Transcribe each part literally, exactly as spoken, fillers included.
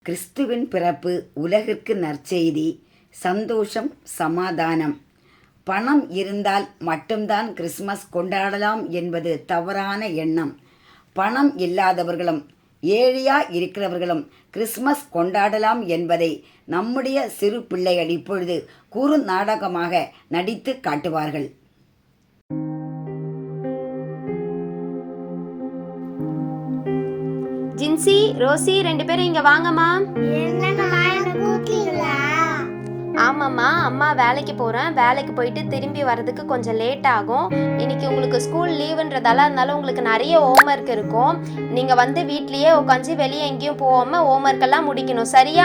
கிறிஸ்துவின் பிறப்பு உலகிற்கு நற்செய்தி, சந்தோஷம், சமாதானம். பணம் இருந்தால் மட்டும்தான் கிறிஸ்மஸ் கொண்டாடலாம் என்பது தவறான எண்ணம். பணம் இல்லாதவர்களும் ஏழையா இருக்கிறவர்களும் கிறிஸ்மஸ் கொண்டாடலாம் என்பதை நம்முடைய சிறு பிள்ளைகள் இப்பொழுது குறு நாடகமாக நடித்து காட்டுவார்கள். ஜின்சி, ரோசி ரெண்டு பேரும் இங்க வாங்கம்மா. ஆமாம்மா, அம்மா வேலைக்கு போகிறேன். வேலைக்கு போயிட்டு திரும்பி வர்றதுக்கு கொஞ்சம் லேட் ஆகும். இன்னைக்கு உங்களுக்கு ஸ்கூல் லீவுன்றதால அதனால உங்களுக்கு நிறைய ஹோம்ஒர்க் இருக்கும். நீங்கள் வந்து வீட்லேயே உட்காந்து வெளியே எங்கேயும் போகாமல் ஹோம்ஒர்க் எல்லாம் முடிக்கணும், சரியா?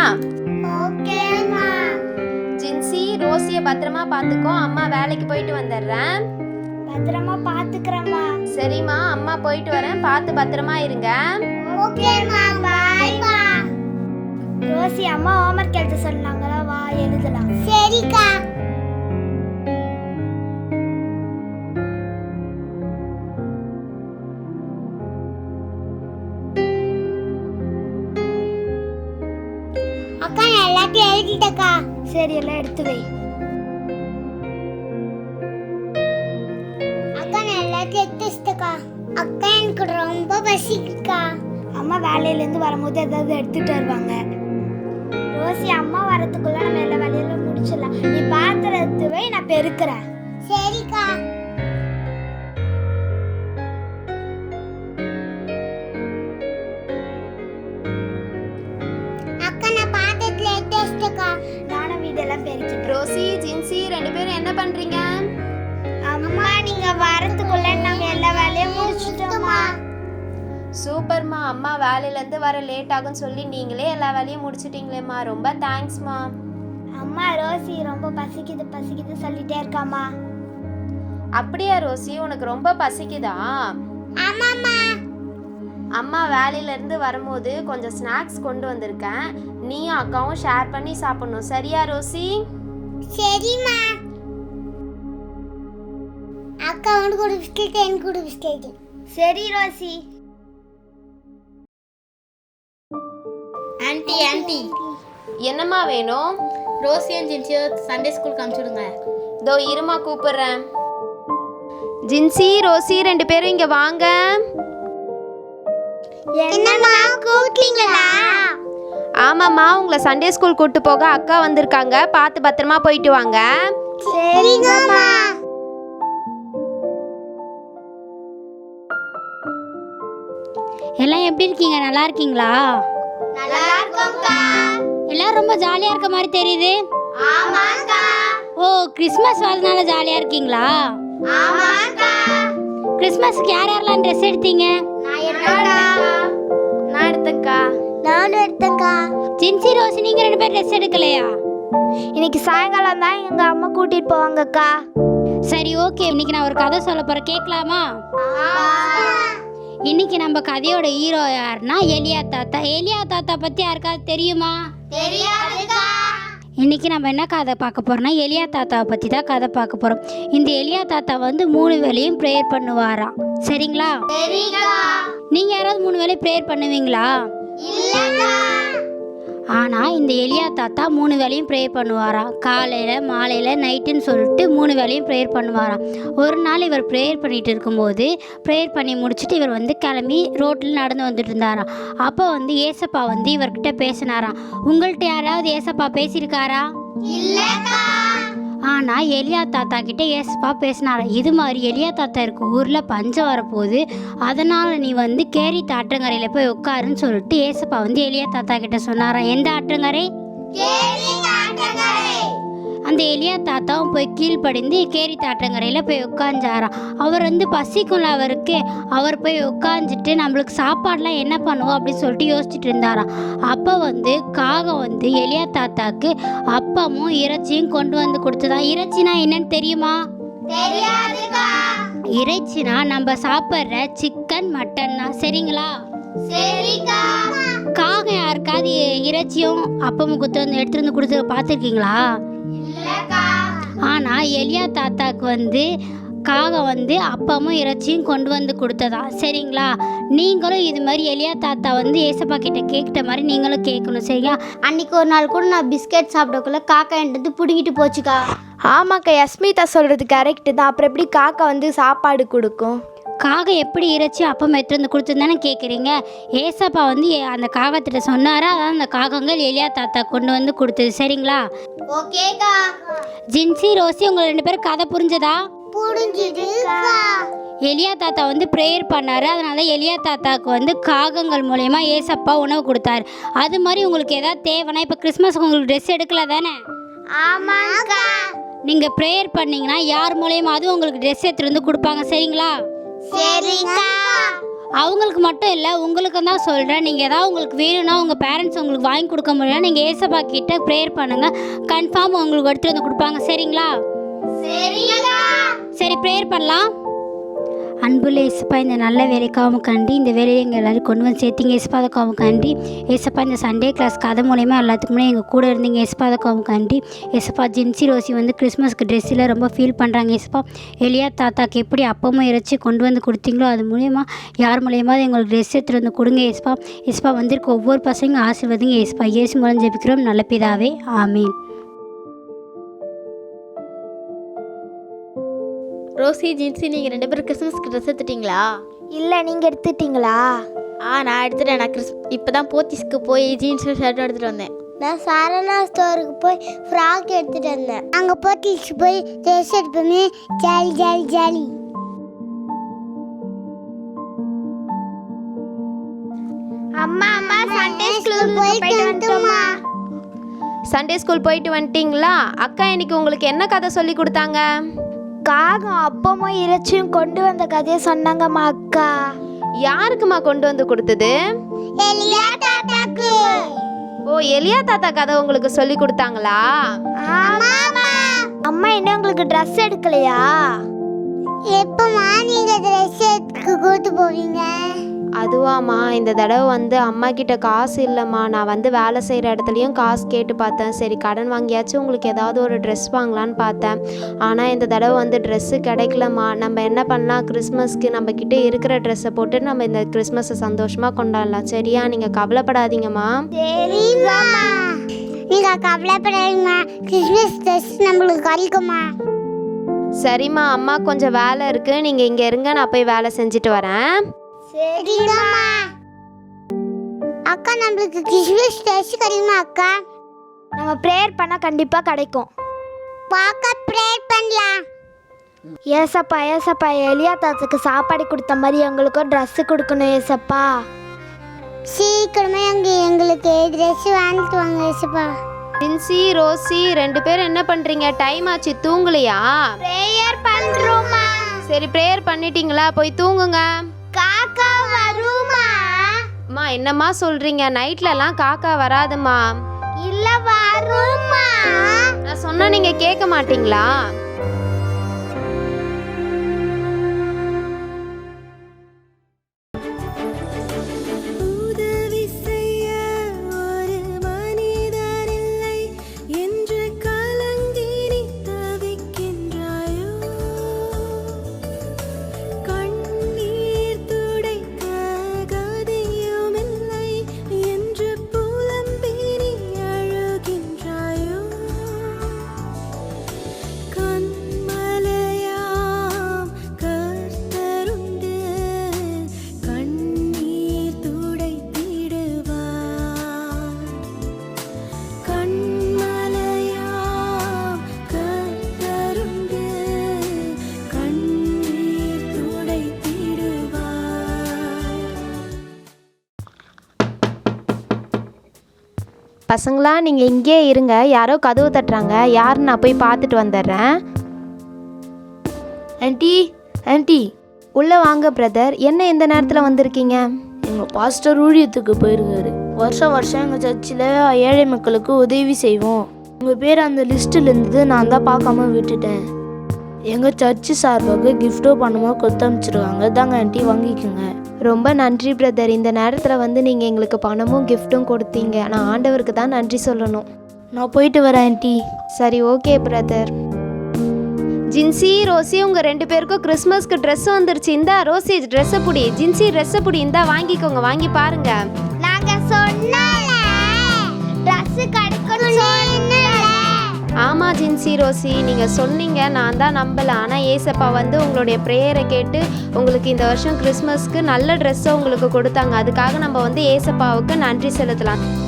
ஜின்சி, ரோசியை பத்திரமா பார்த்துக்கோ. அம்மா வேலைக்கு போயிட்டு வந்துடுறேன். பத்திரமா பாத்துக்கறேம்மா. சரிம்மா, அம்மா போயிட்டு வரேன். பார்த்து பத்திரமா இருங்க. ஓகேம்மா, பை பை. ரோசி, அம்மா ஹோம்வொர்க் எழுத சொன்னாங்களா, வா எழுதலாம். சரிக்கா. அக்கா, நான் எல்லாத்தையும் எழுதிட்டேக்கா. சரி, எல்லாம் எடுத்து வை. அக்கா, நான் எல்லாத்தையும் எடுத்து வச்சிட்டேக்கா. அக்கா, எனக்கு ரொம்ப பசிக்குதுக்கா. அம்மா வேலையில இருந்து வரும்போது ஏதாவது எடுத்துட்டு வருவாங்க. ரோசி, அம்மா வரதுக்குள்ள நம்ம எல்லா வேலையிலும் முடிச்சிடலாம். நீ பாத்திரம் எடுத்து வை, நான் பெருக்கிறேன். சரிக்கா. அக்கா, நான் பாத்திரத்துல எடுத்து வச்சிட்டேக்கா. நானும் வீடெல்லாம் பெருக்கிட்டேன். ரோசி, ஜின்சி ரெண்டு பேரும் என்ன பண்றீங்க? அம்மா, நீங்க வரதுக்குள்ள நாங்க எல்லா வேலையும் முடிச்சிட்டோம்மா. சூப்பர்மா, அம்மா வேலையிலேருந்து வர லேட் ஆகும்னு சொல்லி நீங்களே எல்லா வேலையும் முடிச்சிட்டிங்களேம்மா, ரொம்ப தேங்க்ஸ்மா. அம்மா, ரோசி ரொம்ப பசிக்குது பசிக்குது சொல்லிட்டே இருக்காமா. அப்படியா ரோசி, உனக்கு ரொம்ப பசிக்குதா? ஆமாம்மா. அம்மா வேலையிலேருந்து வரும்போது கொஞ்சம் ஸ்நாக்ஸ் கொண்டு வந்திருக்கேன். நீயும் அக்காவும் ஷேர் பண்ணி சாப்பிடணும், சரியா ரோசி? சரிம்மா. அக்கா உனக்கு ஒரு பிஸ்கெட், எனக்கு ஒரு பிஸ்கெட். சரி ரோசி. ஆன்ட்டி ஆன்ட்டி என்னம்மா வேணும்? ரோசியும் ஜின்சியோ சண்டே ஸ்கூலுக்கு அனுப்பிச்சுடுங்க. இதோ இருமா கூப்பிடுறேன். ஜின்சி, ரோசி ரெண்டு பேரும் இங்க வாங்க. என்னம்மா, கூப்பிட்டீங்களா? ஆமாம்மா, உங்களை சண்டே ஸ்கூல் கூட்டு போக அக்கா வந்திருக்காங்க. பார்த்து பத்திரமா போயிட்டு வாங்க. சரிங்கம்மா. எல்லாம் எப்படி இருக்கீங்க? நல்லா இருக்கீங்களா? நல்லா இருக்கோம்க்கா. எல்லாரும் ரொம்ப ஜாலியாக இருக்க மாதிரி தெரியுது. ஆமாக்கா. ஓ, கிறிஸ்மஸ் வரதுனால ஜாலியாக இருக்கீங்களா? ஆமாக்கா. கிறிஸ்மஸ்க்கு யார் யாரெல்லாம் ட்ரெஸ் எடுத்தீங்க? நான் எடுத்தேன்க்கா. நான் எடுத்தக்கா. நானும் எடுத்தேன்க்கா. ஜின்சி, ரோசி நீங்கள் ரெண்டு பேர் ட்ரெஸ் எடுக்கலையா? இன்னைக்கு சாயங்காலம் தான் எங்க அம்மா கூட்டிட்டு போவாங்கக்கா. சரி, ஓகே. இன்னைக்கு நான் ஒரு கதை சொல்ல போகிறேன், கேட்கலாமா? இன்னைக்கு நம்ம கதையோட ஹீரோ யாருன்னா எலியா தாத்தா. எலியா தாத்தா பற்றி யாருக்காவது தெரியுமா? தெரியாதுக்கா. இன்றைக்கி நம்ம என்ன கதை பார்க்க போகிறோம்னா எலியா தாத்தாவை பற்றி தான் கதை பார்க்க போகிறோம். இந்த எலியா தாத்தா வந்து மூணு வேளையும் ப்ரேயர் பண்ணுவாராம், சரிங்களா? சரிக்கா. நீங்கள் யாராவது மூணு வேளையும் ப்ரேயர் பண்ணுவீங்களா? இல்லக்கா. ஆனால் இந்த எலியா தாத்தா மூணு வேளையும் ப்ரேயர் பண்ணுவாராம். காலையில், மாலையில், நைட்டுன்னு சொல்லிட்டு மூணு வேளையும் ப்ரேயர் பண்ணுவாராம். ஒரு நாள் இவர் ப்ரேயர் பண்ணிகிட்டு இருக்கும்போது ப்ரேயர் பண்ணி முடிச்சுட்டு இவர் வந்து கிளம்பி ரோட்டில் நடந்து வந்துட்டு இருந்தாராம். அப்போ வந்து ஏசப்பா வந்து இவர்கிட்ட பேசினாராம். உங்கள்கிட்ட யாராவது ஏசப்பா பேசியிருக்காரா? இல்லக்கா. ஆனால் எலியா தாத்தா கிட்டே ஏசப்பா பேசினாராம். இது மாதிரி எலியா தாத்தா இருக்க ஊரில் பஞ்சம் வரப்போகுது, அதனால் நீ வந்து கேரித் ஆற்றங்கரையில் போய் உட்காருன்னு சொல்லிட்டு ஏசப்பா வந்து எலியா தாத்தா கிட்ட சொன்னாராம். எந்த ஆற்றங்கரை? கேரித் ஆற்றங்கரை. அந்த எலியா தாத்தாவும் போய் கீழ்ப்படிந்து கேரித் ஆற்றங்கரையில் போய் உட்காந்துச்சாராம். அவர் வந்து பசிக்கும்ல அவருக்கு, அவர் போய் உட்காந்துட்டு நம்மளுக்கு சாப்பாடெலாம் என்ன பண்ணுவோம் அப்படின்னு சொல்லிட்டு யோசிச்சுட்டு இருந்தாராம். அப்போ வந்து காகம் வந்து எலியா தாத்தாக்கு அப்பமும் இறைச்சியும் கொண்டு வந்து கொடுத்ததா. இறைச்சினா என்னன்னு தெரியுமா? தெரியாதுக்கா. இறைச்சினா நம்ம சாப்பிட்ற சிக்கன், மட்டன் தான், சரிங்களா? சரிக்கா. காகம் யாருக்காவது இறைச்சியும் அப்பமும் குத்து வந்து எடுத்துகிட்டு வந்து கொடுத்து பார்த்துருக்கீங்களா? இல்லக்கா. ஆனால் எலியா தாத்தாக்கு வந்து காகம் வந்து அப்பமும் இறைச்சியும் கொண்டு வந்து கொடுத்ததா. சரிங்களா? நீங்களும் இது மாதிரி எலியா தாத்தா வந்து ஏசப்பா கிட்ட கேட்ட மாதிரி நீங்களும் கேட்கணும். சரியா? அன்னைக்கு ஒரு நாள் கூட நான் பிஸ்கெட் சாப்பிடக்குள்ள காக்கா என்கிட்ட பிடுங்கிட்டு போச்சுக்கா. ஆமாக்கா, யஸ்மிதா சொல்கிறது கரெக்டு தான். அப்புறம் எப்படி காக்கா வந்து சாப்பாடு கொடுக்கும்? காகம் எப்படி இறைச்சி அப்பம் எடுத்து வந்து கொடுத்துருந்தானே கேட்குறீங்க. ஏசப்பா வந்து ஏ- அந்த காகத்திட்ட சொன்னாரா, அதான் அந்த காகங்கள் எலியா தாத்தா கொண்டு வந்து கொடுத்தது. சரிங்களா? ஓகேக்கா. ஜின்சி, ரோசி, உங்களை ரெண்டு பேரும் கதை புரிஞ்சதா? புரிஞ்சுதுக்கா. எலியா தாத்தா வந்து ப்ரேயர் பண்ணார். அதனால எலியா தாத்தாவுக்கு வந்து காகங்கள் மூலயமா ஏசப்பா உணவு கொடுத்தாரு. அது மாதிரி உங்களுக்கு ஏதாவது தேவைன்னா, இப்போ கிறிஸ்மஸ்க்கு உங்களுக்கு ட்ரெஸ் எடுக்கல தானே? ஆமாக்கா. நீங்கள் ப்ரேயர் பண்ணிங்கன்னா யார் மூலயமாவது உங்களுக்கு ட்ரெஸ் எடுத்துகிட்டு வந்து கொடுப்பாங்க. சரிங்களா? சரிக்கா. அவங்களுக்கு மட்டும் இல்லை, உங்களுக்கும் தான் சொல்கிறேன். நீங்கள் ஏதாவது உங்களுக்கு வேணும்னா, உங்கள் பேரண்ட்ஸ் உங்களுக்கு வாங்கி கொடுக்க முடியல, நீங்கள் ஏசப்பா கிட்ட ப்ரேயர் பண்ணுங்கள். கன்ஃபார்ம் உங்களுக்கு எடுத்துகிட்டு வந்து கொடுப்பாங்க. சரிங்களா? சரிக்கா. சரி, ப்ரேயர் பண்ணலாம். அன்புள்ள ஏசப்பா, இந்த நல்ல வேலைக்காகவும் கண்டி இந்த வேலையை எங்கள் எல்லோரும் கொண்டு வந்து சேர்த்திங்க ஏசப்பாதக்காகவும் கண்டி. ஏசப்பா, இந்த சண்டே கிளாஸ் கதை மூலயமா எல்லாத்துக்குமே எங்கள் கூட இருந்தீங்க ஏசப்பாதக்காகவும் கண்டி. ஏசப்பா, ஜின்சி ரோசி வந்து கிறிஸ்மஸ்க்கு ட்ரெஸ்ஸில் ரொம்ப ஃபீல் பண்ணுறாங்க. ஏசப்பா, எலியா தாத்தாக்கு எப்படி அப்பமும் இறைச்சி கொண்டு வந்து கொடுத்தீங்களோ அது மூலயமா யார் மூலயமாவது எங்களுக்கு ட்ரெஸ் எடுத்துகிட்டு வந்து கொடுங்க ஏசப்பா. ஏசப்பா, வந்திருக்க ஒவ்வொரு பசங்க ஆசீர்வதிங்க ஏசப்பா. இயேசு மூலம் ஜெபிக்கிறோம் நல்ல பிதாவே, ஆமீன். ரோசி, ஜின்சி, நீங்கள் ரெண்டு பேரும் கிறிஸ்மஸ்க்கு ட்ரெஸ் எடுத்துட்டீங்களா? இல்லை, நீங்கள் எடுத்துட்டீங்களா? ஆ, நான் எடுத்துட்டேன். நான் கிறிஸ் இப்போ தான் போத்தீஸ்க்கு போய் ஜீன்ஸும் ஷர்ட்டும் எடுத்துகிட்டு வந்தேன். நான் சரணா ஸ்டோருக்கு போய் ஃப்ராக் எடுத்துட்டு வந்தேன். அங்கே போட்டிச்சு போய் ட்ரெஸ் எடுப்போமே. Jolly jolly jolly. அம்மா அம்மா சண்டே ஸ்கூல் போயிட்டு வந்துட்டோமா? சண்டே ஸ்கூல் போயிட்டு வந்துட்டீங்களா? அக்கா இன்னைக்கு உங்களுக்கு என்ன கதை சொல்லி கொடுத்தாங்க? காகம் அப்பமும் இறைச்சியும் கொண்டு வந்த கதையை சொன்னாங்கம்மா அக்கா. யாருக்குமா கொண்டு வந்து கொடுத்தது? எலியா தாத்தாக்கு. ஓ, எலியா தாத்தா கதை உங்களுக்கு சொல்லி கொடுத்தாங்களா? ஆமாமா. அம்மா இன்னும் உங்களுக்கு ட்ரெஸ் எடுக்கலையா? எப்பமா நீங்க ட்ரெஸ் எடுக்க கூட்டு போவீங்க? அதுவாம்மா, இந்த தடவை வந்து அம்மா கிட்ட காசு இல்லைம்மா. நான் வந்து வேலை செய்கிற இடத்துலையும் காசு கேட்டு பார்த்தேன். சரி, கடன் வாங்கியாச்சும் உங்களுக்கு ஏதாவது ஒரு ட்ரெஸ் வாங்கலான்னு பார்த்தேன். ஆனால் இந்த தடவை வந்து ட்ரெஸ்ஸு கிடைக்கலம்மா. நம்ம என்ன பண்ணலாம், கிறிஸ்மஸ்க்கு நம்ம கிட்டே இருக்கிற ட்ரெஸ்ஸை போட்டு நம்ம இந்த கிறிஸ்மஸை சந்தோஷமாக கொண்டாடலாம். சரியா? நீங்கள் கவலைப்படாதீங்கம்மா. சரிம்மா. நீங்க கவலைப்படாதீங்கம்மா. கிறிஸ்மஸ் ட்ரெஸ் நம்மளுக்கு கிடைக்குமா? சரிம்மா, அம்மா கொஞ்சம் வேலை இருக்குது, நீங்கள் இங்கே இருங்க, நான் போய் வேலை செஞ்சுட்டு வரேன். சரிம்மா. அக்கா, நம்மளுக்கு கிறிஸ்மஸ் ட்ரெஸ் கிடைக்குமா அக்கா? நம்ம ப்ரேயர் பண்ணால் கண்டிப்பாக கிடைக்கும். பார்க்க ப்ரேயர் பண்ணலாம். ஏசப்பா ஏசப்பா, எலியா தாத்தாக்கு சாப்பாடு கொடுத்த மாதிரி எங்களுக்கும் ட்ரெஸ்ஸு கொடுக்கணும் ஏசப்பா. சீக்கிரமே அங்கே எங்களுக்கு ட்ரெஸ் வாங்கிட்டு வாங்க ஏசப்பா. ஜின்சி, ரோசி ரெண்டு பேரும் என்ன பண்ணுறீங்க? டைம் ஆச்சு, தூங்கலையா? ப்ரேயர் பண்ணுறோமா? சரி, ப்ரேயர் பண்ணிட்டீங்களா? போய் தூங்குங்க. காக்கா வருமா? அம்மா, என்னம்மா சொல்கிறீங்க? நைட்லலாம் காக்கா வராதுமா. இல்ல வருமா? நான் சொன்னா நீங்கள் கேட்க மாட்டீங்களா? பசங்களா, நீங்கள் இங்கேயே இருங்க. யாரோ கதவு தட்டுறாங்க. யாருன்னு நான் போய் பார்த்துட்டு வந்துடுறேன். ஆண்டி, ஆண்டி உள்ளே வாங்க. பிரதர், என்ன இந்த நேரத்தில் வந்திருக்கீங்க? எங்கள் பாஸ்டர் ஊழியத்துக்கு போயிருக்காரு. வருஷம் வருஷம் எங்கள் சர்ச்சில் ஏழை மக்களுக்கு உதவி செய்வோம். உங்கள் பேர் அந்த லிஸ்ட்டில் இருந்தது, நான் தான் பார்க்காம விட்டுட்டேன். எங்கள் சர்ச்சு சார்பாக கிஃப்டோ பணமோ கொடுத்து அனுப்பிச்சிருக்காங்க. தாங்க ஆண்டி, வாங்கிக்கோங்க. ரொம்ப நன்றி பிரதர். இந்த நேரத்தில் வந்து நீங்கள் எங்களுக்கு பணமும் கிஃப்ட்டும் கொடுத்தீங்க. நான் ஆண்டவருக்கு தான் நன்றி சொல்லணும். நான் போயிட்டு வரேன் ஆண்டி. சரி, ஓகே பிரதர். ஜின்சி ரோசி உங்க ரெண்டு பேருக்கும் கிறிஸ்மஸ்க்கு ட்ரெஸ் வந்துருச்சு. இந்தா ரோசி ட்ரெஸ்ஸை புடி, ஜின்சி ட்ரெஸ்ஸை புடி, இந்தா வாங்கிக்கோங்க, வாங்கி பாருங்க. நாங்க சொன்னல Dress கிடைக்கணும் சொன்னல. ஆமா ஜின்சி ரோசி நீங்கள் சொன்னீங்க, நான் தான் நம்பலை. ஆனால் ஏசப்பா வந்து உங்களுடைய ப்ரேயரை கேட்டு உங்களுக்கு இந்த வருஷம் கிறிஸ்மஸ்க்கு நல்ல ட்ரெஸ்ஸை உங்களுக்கு கொடுத்தாங்க. அதுக்காக நம்ம வந்து ஏசப்பாவுக்கு நன்றி செலுத்தலாம்.